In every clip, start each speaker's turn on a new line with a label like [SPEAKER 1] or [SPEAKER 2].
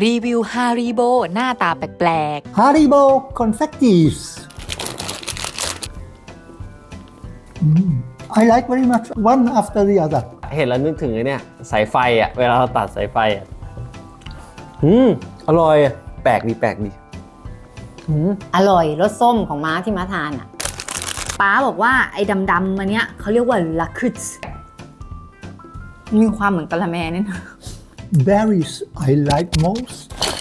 [SPEAKER 1] รีวิวฮาริโบหน้าตาแปลก
[SPEAKER 2] Haribo confettis. I like very much one after the other.
[SPEAKER 3] เห็นแล้วนึกถึงไอ้เนี่ยสายไฟอ่ะเวลาเราตัดสายไฟอ่ะอร่อยอะแปลกดีแปลกดี
[SPEAKER 4] อร่อยรสส้มของม้าที่ม้าทานอ่ะป้าบอกว่าไอ้ดำๆมันเนี้ยเขาเรียกว่าลักซ์มีความเหมือนกะละแมเนี่ยนะ
[SPEAKER 2] Berries I like most.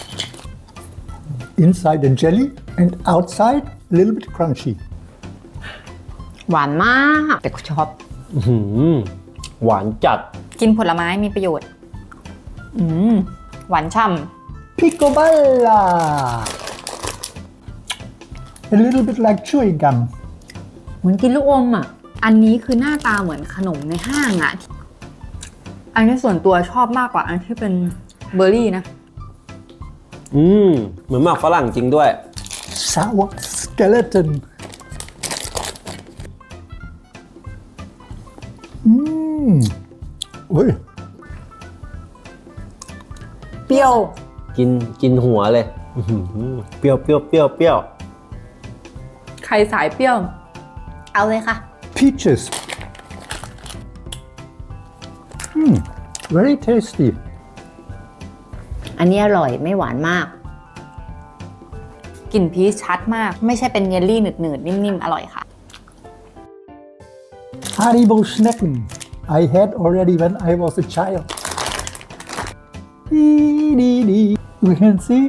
[SPEAKER 2] Inside the jelly and outside a little bit crunchy.
[SPEAKER 4] หวานมากแต่กูชอบ
[SPEAKER 3] หวานจัด
[SPEAKER 4] กินผลไม้มีประโยชน์หวานฉ่
[SPEAKER 2] Picoballa. A little bit like chewing gum.
[SPEAKER 4] ำเหมือนกินลูกอมอ่ะอันนี้คือหน้าตาเหมือนขนมในห้างอ่ะอันนี้ส่วนตัวชอบมากกว่าอันที่เป็นเบอร์รี่นะ
[SPEAKER 3] เหมือนหมากฝรั่งจริงด้วย
[SPEAKER 2] Sour skeleton. Ui.
[SPEAKER 4] เปรี้ยว
[SPEAKER 3] กินหัวเลยเปรี้ยวเปรี้ยวเปรี้ยวเปรี้ยว
[SPEAKER 4] ใครสายเปรี้ยว เอาเลยค่ะ
[SPEAKER 2] Peaches. Very tasty.
[SPEAKER 4] อันนี้อร่อยไม่หวานมากกลิ่นพีชชัดมากไม่ใช่เป็นเยลลี่หนืดๆนิ่มๆอร่อยค่ะ
[SPEAKER 2] Haribo Schnecken. I had already when I was a child. You can see.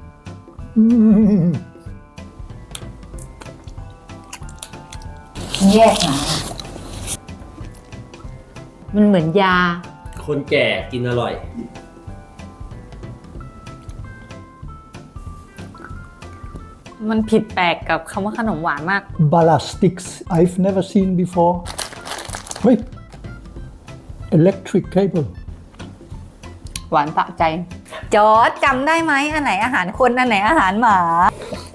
[SPEAKER 4] แยกมามันเหมือนยา
[SPEAKER 3] คนแก่กินอร่อย
[SPEAKER 4] มันผิดแปลกกับคำว่าขนมหวานมาก
[SPEAKER 2] Bala sticks. I've never seen before. Wait. Electric cable.
[SPEAKER 4] หวานสะใจ จอร์จจำได้ไหมอันไหนอาหารคนอันไหนอาหารหมา